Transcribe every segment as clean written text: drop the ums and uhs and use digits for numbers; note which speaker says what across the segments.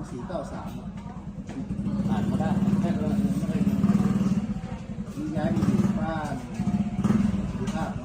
Speaker 1: 2493
Speaker 2: อ่านมาได้
Speaker 1: ไม่ได้มีย้ายไปอยู่บ้านสุภาพเนาะ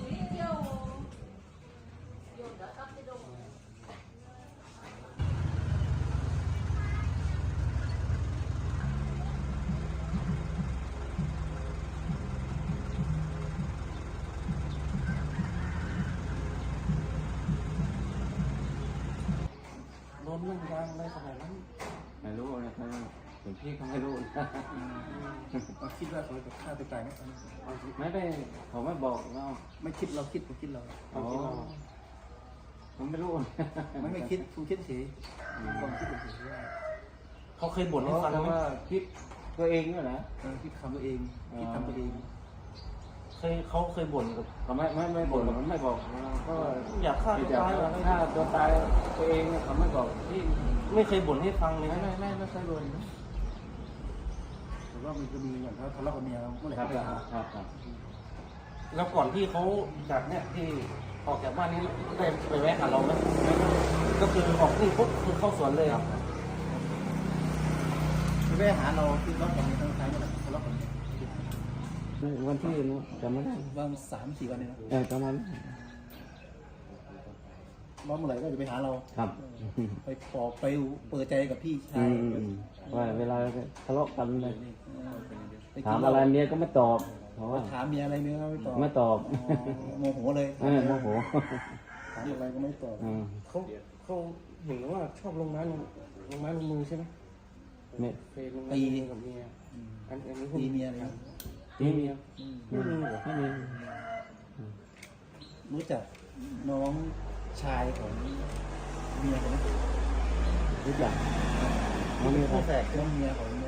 Speaker 2: โดนเรื่องยางอะไรขนาดนั้นไม่รู้นะครับหลวงพี่เขาไม่รู้
Speaker 1: เราคิดว่าเขาจะฆ่าตัวตายไหม
Speaker 2: ไม่ได้เขาไม่บอกเรา
Speaker 1: ไม่คิดเราคิดผมคิดเรา
Speaker 2: อ๋อผมไม่รู้
Speaker 1: ไม่คิดคุณคิดเฉยความคิดเฉยว่า
Speaker 3: เขาเคยบ่นให้ฟังไหม
Speaker 2: ว่าคิดตัวเองเนี่ยนะ
Speaker 1: คิดคำตัวเองคิดทำตัวเอง
Speaker 3: เขาเคยบ่นกับ
Speaker 2: เขาไม่บ่นมันไม่บอกก็
Speaker 3: อยากฆ่าตัวตายเหรอ
Speaker 2: ถ้าตัวตายตัวเองเขาไม่บอกที่
Speaker 3: ไม่เคยบ่นให้ฟังเลย
Speaker 2: ไม่
Speaker 3: นะ
Speaker 2: เคยบ่น
Speaker 1: แต่ว่ามันจะมีอย่างเขาทะเลาะกับเมียเมื่อไหร่
Speaker 2: ครับ
Speaker 1: ก็ด่า
Speaker 2: ครับ
Speaker 3: แล้วก่อนที่เขาจากเนี่ยที่ออกจากบ้านนี้ได้ไปแวะกับเราไหมก็คือออกนี่ปุ๊บคือเข้าสวนเลยครับ
Speaker 1: ไปหาเราที่รถกับเมียทั้งท้ายนี่แหละทะเลาะกับเมีย
Speaker 2: วันที่นู้จำไม่ได้
Speaker 1: ว่า3-4 วันเนี่ยนะ
Speaker 2: ประมาณ
Speaker 1: ร้อนเมื่อไหร่ก็จะไปหาเรา
Speaker 2: ครับ
Speaker 1: ไปปอบไปเปิดใจกับพี่ชาย
Speaker 2: ว่าเวลาทะเลาะกันเลย
Speaker 1: ไป
Speaker 2: ถา
Speaker 1: กิ
Speaker 2: ม
Speaker 1: น
Speaker 2: อะไร
Speaker 1: เหล้า
Speaker 2: เมียก็ไม่ตอบเพราะว่า
Speaker 1: ถามเมียอะไรเมียก็ไม่ตอบ
Speaker 2: ไม่ตอบ
Speaker 1: โมโหเลย
Speaker 2: โมโห
Speaker 1: ถามอะไรก็ไม่ตอบ
Speaker 3: เขาเห็นว่าชอบลงไม้ลงมือใช่ไหม
Speaker 2: ไม่
Speaker 3: เคยลงไม้ลงมือกับเมียอันนี้
Speaker 1: ตีเมียอะไร
Speaker 2: ตีเมีย
Speaker 3: ไม่มีเหรอ
Speaker 2: ไม่มี
Speaker 1: รู้จักน้องชายของเมียคนนั้น
Speaker 2: รู้จักน้องมี
Speaker 1: แฝดน้องเมียของไอ้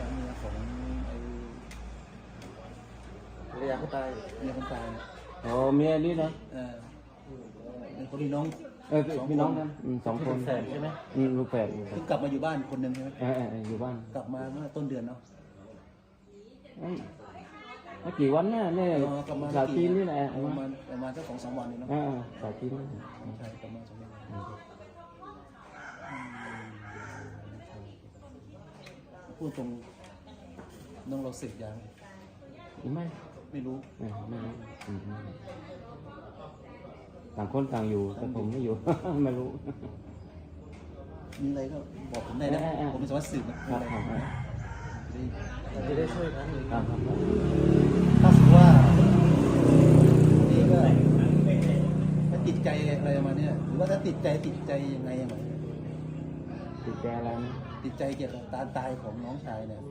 Speaker 3: ภรรยาเขาตาย
Speaker 1: เมียคนตาย
Speaker 2: โอ้เมียนี่นะ
Speaker 1: เป็นคนที่น้อง
Speaker 2: พี่น้องกัน2 คน
Speaker 3: แฝดใช่ไหม
Speaker 2: ลูกแฝด
Speaker 1: เพิ่งกลับมาอยู่บ้านคนหนึ่งใช่ไหม
Speaker 2: อยู่บ้าน
Speaker 1: กลับมาเมื่อต้นเดือนเนาะ
Speaker 2: ไม่กี่วันน่ะเนี่ย
Speaker 1: กลับมา
Speaker 2: สาจีนนี่แหละ
Speaker 1: ประมาณสัก2-3 วันนี่เนาะ
Speaker 2: สาจีน
Speaker 1: ใช่ประมาณ2 วันพูดตรงน้องเราสึกยัง
Speaker 2: ไม่
Speaker 1: ไม่รู้
Speaker 2: ไม่รู้ต่างคนต่างอยู่แต่ผมไม่อยู่ ไม่รู้
Speaker 1: มีอะไรก็บอกผมได้นะผมเป็นสวัสดิ์สืบนะมีอะไร
Speaker 3: จะได้ช่วยกัน
Speaker 1: ถ้าสมมติว่านี่ก็ถ้าติดใจอะไรมาเนี่ยหรือว่าถ้าติดใจยังไงอะ
Speaker 2: ติดใจอะไรนะ
Speaker 1: ติดใจเกี่ยวกับการตายของน้องชายเนี่ย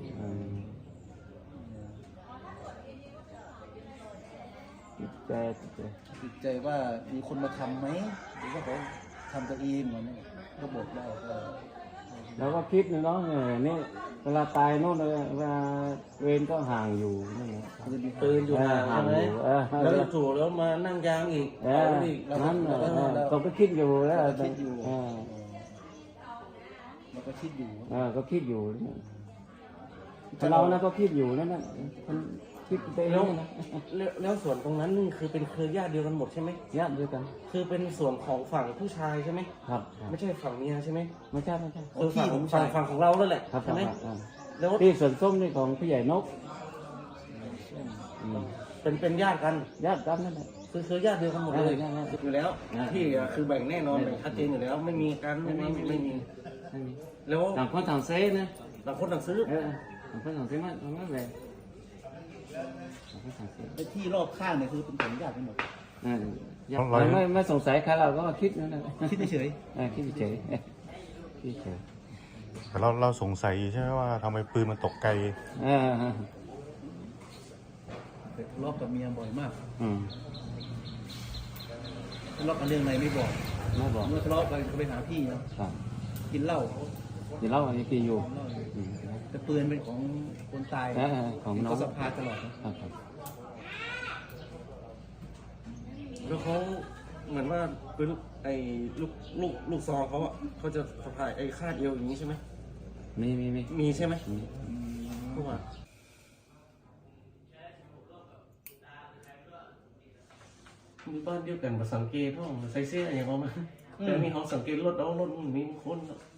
Speaker 2: ติดใจ
Speaker 1: ติดใจว่ามีคนมาทำไหมหรือว่าเขาทำตัวเองเหมือนนี้ก็บอกได้ก็
Speaker 2: แล้วก็คิดนะเนาะนี่เวลาตายโน่นเลยเวลาเวรก็ห่างอยู่นั่นแหละ
Speaker 3: ปืนอยู่ห่างใช่ไหมแล้วจู่แล้วมานั่งยางอีกอีก
Speaker 2: นั่นเขาก็คิดอยู่แล้ว
Speaker 1: คิดอยู่เราก็คิดอยู่
Speaker 2: ก็คิดอยู่เรานะก็คิดอยู่นั่นน่ะคิดไปเองนะ
Speaker 3: แล้วส่วนตรงนั้นนี่คือเป็นเครือญาติเดียวกันหมดใช่ไหม
Speaker 2: ญาติเดียวกัน
Speaker 3: คือเป็นส่วนของฝั่งผู้ชายใช่ไหม
Speaker 2: ครับ
Speaker 3: ไม่ใช่ฝั่งเมียใช่ไหม
Speaker 2: ไม่ใช่
Speaker 3: คือฝั่งของเราแล้วแหละ
Speaker 2: ครับ
Speaker 3: ใช่ไหมแล้ว
Speaker 2: ที่สวนส้มนี่ของผู้ใหญ่นก
Speaker 3: เป็นญาติกัน
Speaker 2: ญาติกันนั่นแหละ
Speaker 3: คือญาติเดียวกันหมดเลยอยู่แล้วที่คือแบ่งแน่นอนแบ่งชัดเจนอยู่แล้วไม่มีกันไม่มีแล้ว
Speaker 2: ต่างคนต่างเซ่นะ
Speaker 3: ต่างคนต่างซื้อ
Speaker 2: ต่างคนต่างเซ่มันไม่แบ่งต่างคนต่างเซ่
Speaker 1: ไอ้ที่รอบข้างเนี่ยคือเป็นของญาติทั้งหมด
Speaker 2: ไม่สงสัยใครเราก็คิดนั่นแหละ
Speaker 1: คิดเฉย
Speaker 2: คิดเฉยคิดเฉย
Speaker 4: แต่เราสงสัยใช่ไหมว่าทำไมปืนมันตกไกล
Speaker 1: แต่ทะเลาะกับเมียบ่อยมาก ทะเลาะกันเรื่องอะไรไม่บอก
Speaker 2: ไม่บอก
Speaker 1: เมื่อทะเลาะกันก็ไปหาพี่เนาะกินเหล้า
Speaker 2: เดี๋ยวเล่าอันนี้กินอยู่
Speaker 1: แต่ปืนเป็นของคนตาย
Speaker 2: ของน้อง
Speaker 1: ก็สะพายตลอดนะ
Speaker 3: แล้วเขาเหมือนว่าเป็นไอ้ลูกซองเขาอ่ะเขาจะสะพายไอ้คาดเอวอย่างนี้ใช่ไหม
Speaker 2: มี
Speaker 3: ใช่ไหมเพราะว่ามีบ้านเดียวกันกับสังเกตห้องใส่เสื้ออย่างเงี้ยเขาไหมแต่มีห้องสังเกตรถเอารถมีคน